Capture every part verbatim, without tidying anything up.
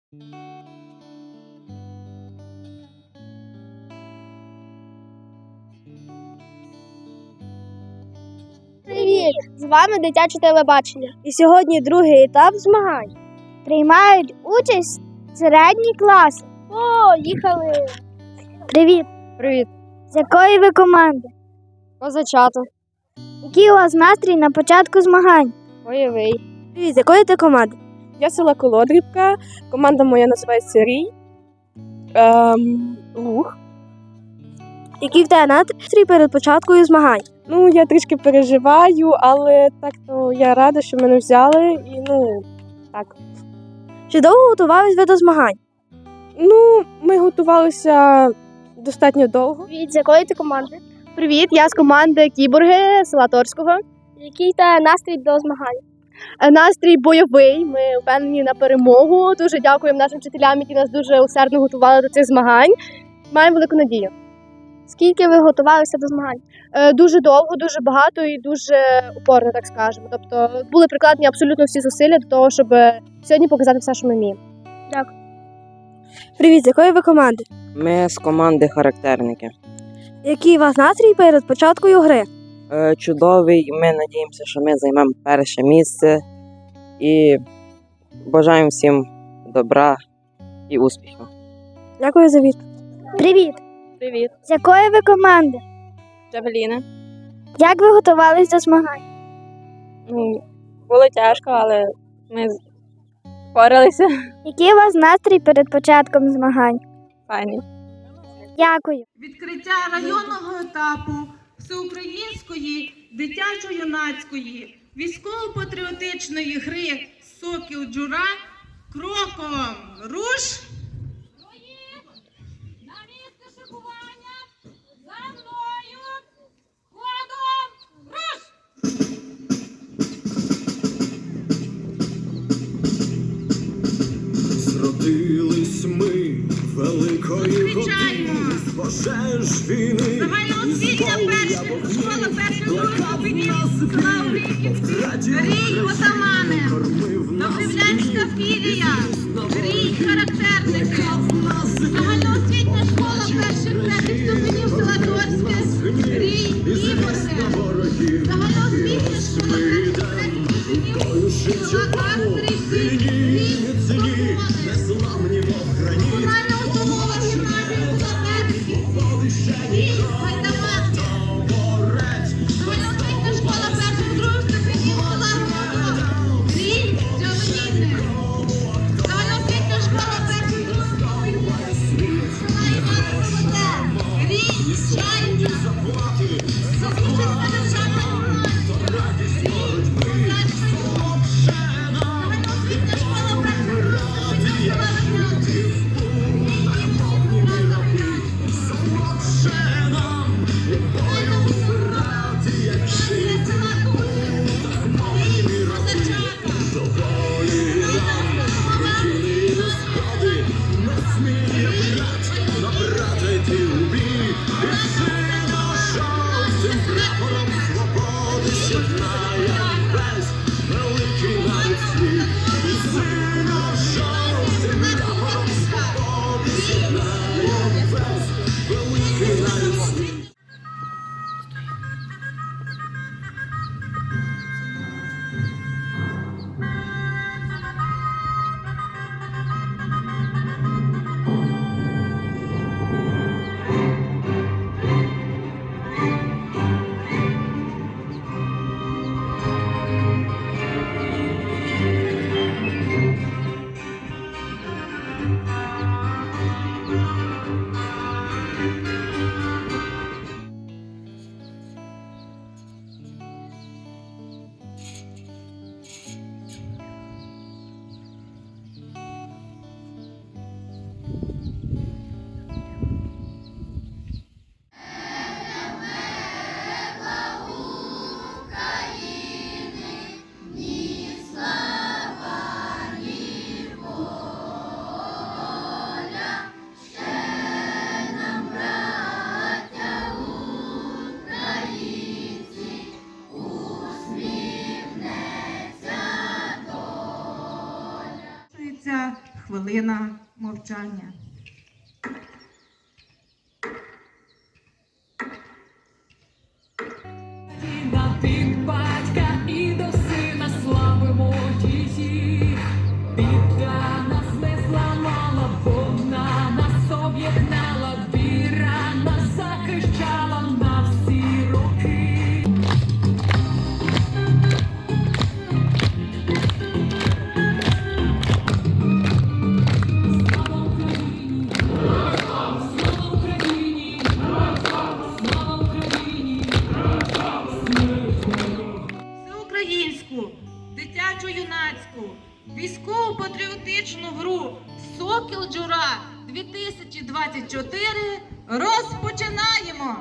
Привіт! З вами дитяче телебачення. І сьогодні другий етап змагань. Приймають участь середні класи. О, їхали! Привіт! Привіт. З якої ви команди? Козачата. Який у вас настрій на початку змагань? Бойовий. Привіт, з якої ти команди? Я села Колодрівка. Команда моя називається Рій. Ем, Луг. Який в тебе настрій перед початкою змагань? Ну, я трішки переживаю, але так то я рада, що мене взяли. І ну, так. Чи довго готувались ви до змагань? Ну, ми готувалися достатньо довго. Привіт, з якої ти команди? Привіт, я з команди Кіборги села Торського. Який та настрій до змагань? Настрій бойовий, ми впевнені на перемогу. Дуже дякуємо нашим вчителям, які нас дуже усердно готували до цих змагань. Маємо велику надію. Скільки ви готувалися до змагань? Е, дуже довго, дуже багато і дуже упорно, так скажемо. Тобто були прикладені абсолютно всі зусилля до того, щоб сьогодні показати все, що ми вміємо. Дякую. Привіт, з якої ви команди? Ми з команди характерники. Який у вас настрій перед початкою гри? Е, чудовий, ми надіємося, що ми займемо перше місце і бажаємо всім добра і успіхів. Дякую за відповідь. Привіт. Привіт. З якої ви команди? Джавеліна. Як ви готувалися до змагань? Ну, було тяжко, але ми впоралися. Який у вас настрій перед початком змагань? Файні. Дякую. Відкриття районного етапу всеукраїнської дитячо-юнацької військово-патріотичної гри «Сокіл Джура» кроком руш! На місце шикування! За мною! Ходом руш! Зродились ми великої години, з пожеж війни, Загальноосвітня перша школа першої другої ступені села Оріхівці, Рій Отамани, Добривлянська філія, Рій Характерники, загальноосвітня школа перших третіх ступенів села Торське, Рій Кіборги, загальноосвітня школа перших третіх ступенів села Астрівці, Рій Свободи, комунальна установа гімназія села Терський, Рій Гайдамацьке, загальноосвітня школа перших других ступенів села Городова, хвилина мовчання. На від батька і до сина славимо її. Біда нас не зламала, вона нас об'єднала, віра нас захищала на всі роки. Слава Україні! Слава Україні! Слава Україні! Всеукраїнську, дитячо-юнацьку, військово-патріотичну гру «Сокіл Джура» дві тисячі двадцять чотири розпочинаємо!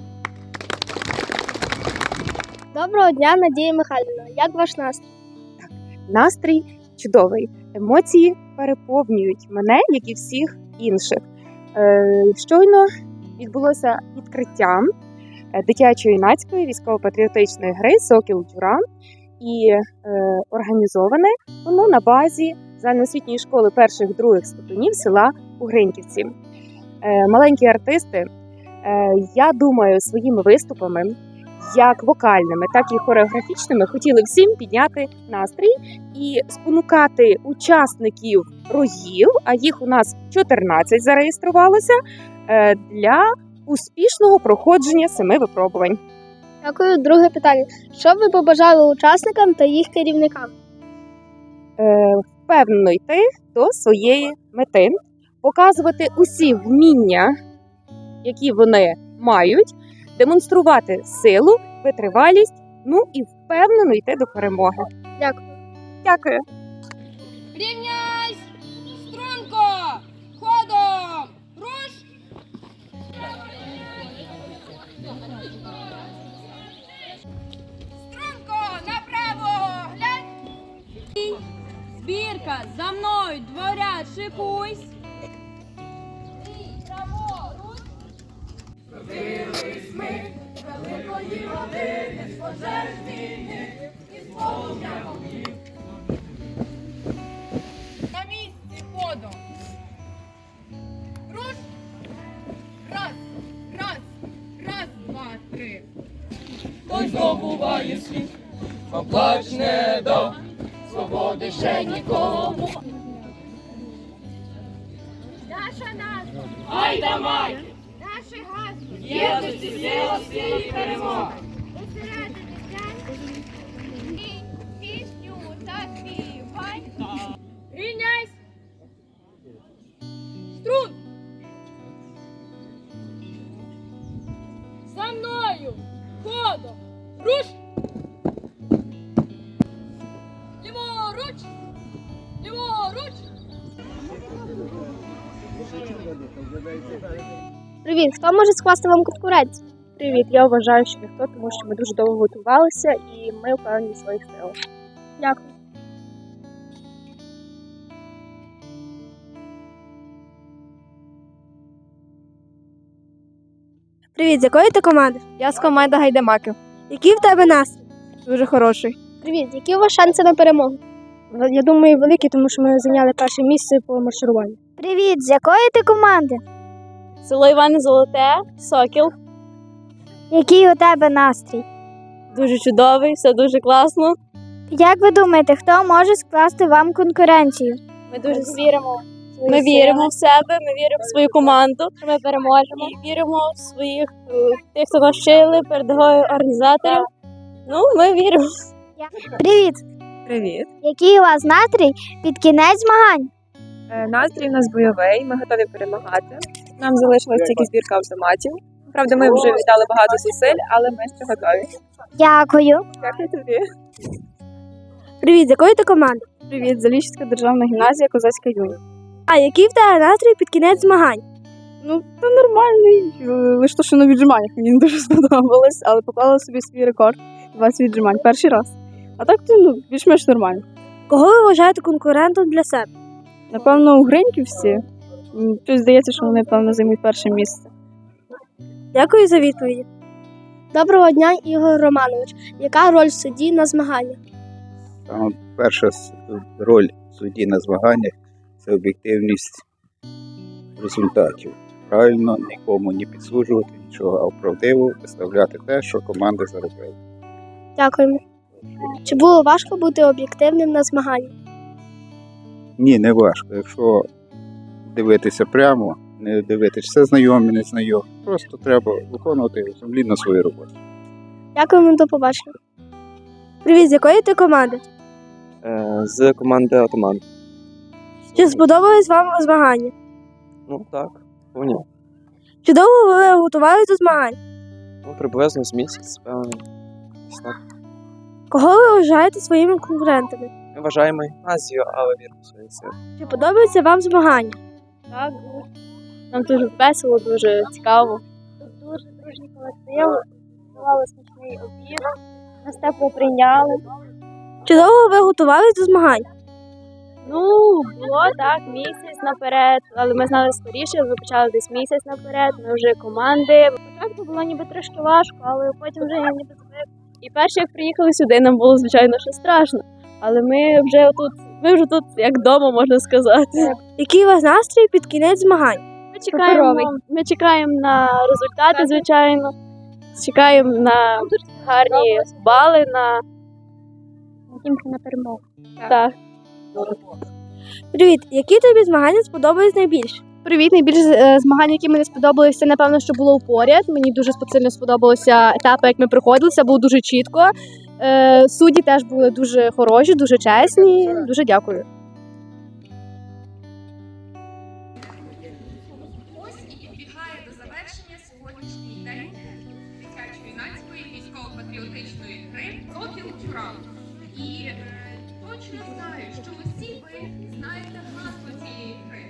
Доброго дня, Надія Михайлівна. Як ваш настрій? Настрій чудовий. Емоції переповнюють мене, як і всіх інших. Е, Щойно відбулося відкриття е, дитячо-юнацької військово-патріотичної гри «Сокіл Джура». І е, організоване воно на базі загальноосвітньої школи перших-других ступенів села Угриньківці. Е, маленькі артисти, е, я думаю, своїми виступами, як вокальними, так і хореографічними, хотіли всім підняти настрій і спонукати учасників рогів, а їх у нас чотирнадцять зареєструвалося, е, для успішного проходження семи випробувань. Дякую. Друге питання. Що б ви побажали учасникам та їх керівникам? Е, впевнено йти до своєї мети, показувати усі вміння, які вони мають, демонструвати силу, витривалість, ну і впевнено йти до перемоги. Дякую. Дякую. Рівняйсь! Струнко! Ходом! Руш! Струнко! Направо! Глянь! Збірка! За мною! Дворяд! Шикуйсь! Праворуч! Родились ми великої родини, з пожеж війни і з полум'я вогнів. На місці ходом. Руш. Раз, раз, раз, два, три. Хтось здобуває світ, поплач не до свободи ще нікому. Наша назва, Айда май, наше гасло, єдності сила свій перемог. зосередитися і пісню заспівай. Рівняйсь. Струн. За мною. Ходом. Руш. Ліворуч. Ліворуч. Привіт. Хто може скласти вам конкуренцію? Привіт, я вважаю, що ніхто, тому що ми дуже довго готувалися і ми впевнені в своїх силах. Дякую. Привіт, з якої ти команди? Я з команди Гайдамаків. Який в тебе настрій? Дуже хороший. Привіт, які у вас шанси на перемогу? Я думаю, великі, тому що ми зайняли перше місце по маршируванню. Привіт, з якої ти команди? Село Іване Золоте, Сокіл. Який у тебе настрій? Дуже чудовий, все дуже класно. Як ви думаєте, хто може скласти вам конкуренцію? Ми дуже віримо. Ми віримо в себе, ми віримо в свою команду. Ми переможемо. І віримо в своїх е, тих, хто нас вчили, передових організаторів. Ну, ми віримо. Привіт! Привіт. Який у вас настрій під кінець змагань? Е, Настрій у нас бойовий, ми готові перемагати. Нам залишилась тільки збірка автоматів. Правда, ми вже віддали багато зусиль, але ми ще готові. Дякую. Дякую тобі. Привіт, з якої ти команди? Привіт, Заліщицька державна гімназія, Козацька юність. А який в тебе настрій під кінець змагань? Ну, та нормальний. Е, Лише то, що на віджиманнях мені не дуже сподобалось, але поклала собі свій рекорд двадцять віджимань перший раз. А так, то, ну, більш-менш нормально. Кого ви вважаєте конкурентом для себе? Напевно, у Гриньківці. М, Щось здається, що вони, певно, займуть перше місце. Дякую за відповіді. Доброго дня, Ігор Романович. Яка роль судді на змаганнях? Саме перша с- роль судді на змаганнях це об'єктивність результатів. Правильно нікому не підсуджувати нічого, а правдиво виставляти те, що команди заробили. Дякуємо. Чи було важко бути об'єктивним на змаганні? Ні, не важко. Якщо дивитися прямо, не дивитися все знайомі, не знайомі. Просто треба виконувати сумлінно свою роботу. Дякуємо, до побачення. Привіт, з якої ти команди? З команди Атаман. Чи сподобались вам змагання? Ну так, повні. Чи довго ви готувалися до змагань? Ну, приблизно з місяць, певно. Так. Кого ви вважаєте своїми конкурентами? Ми вважаємо гімназію, але віримо в свої сили. Чи подобається вам змагання? Так, нам дуже весело, дуже цікаво. Тут дуже дружній колектив, готували смачний обід, нас тепло прийняли. Чи довго ви готувалися до змагань? Ну, було так, місяць наперед, але ми знали скоріше, ми почали десь місяць наперед, ми вже команди. Спочатку було ніби трошки важко, але потім вже я ніби звик. І перше, як приїхали сюди, нам було, звичайно, що страшно. Але ми вже тут, ми вже тут як вдома, можна сказати. Який у вас настрій під кінець змагань? Ми чекаємо, ми чекаємо на результати, звичайно. Чекаємо на гарні бали, на, Тільки на перемогу. так. Привіт, які тобі змагання сподобались найбільше? Привіт, найбільше е, змагання, які мені сподобалися, це, напевно, що було у поряд. Мені дуже сильно сподобалися етапи, як ми проходили, це було дуже чітко. Е, судді теж були дуже хороші, дуже чесні. Дуже дякую. Ось і підбігає до завершення сьогоднішній день дитячо-юнацької військово-патріотичної гри «Сокіл Джура». І е, точно знаю, що усі ви знаєте гасло цієї гри.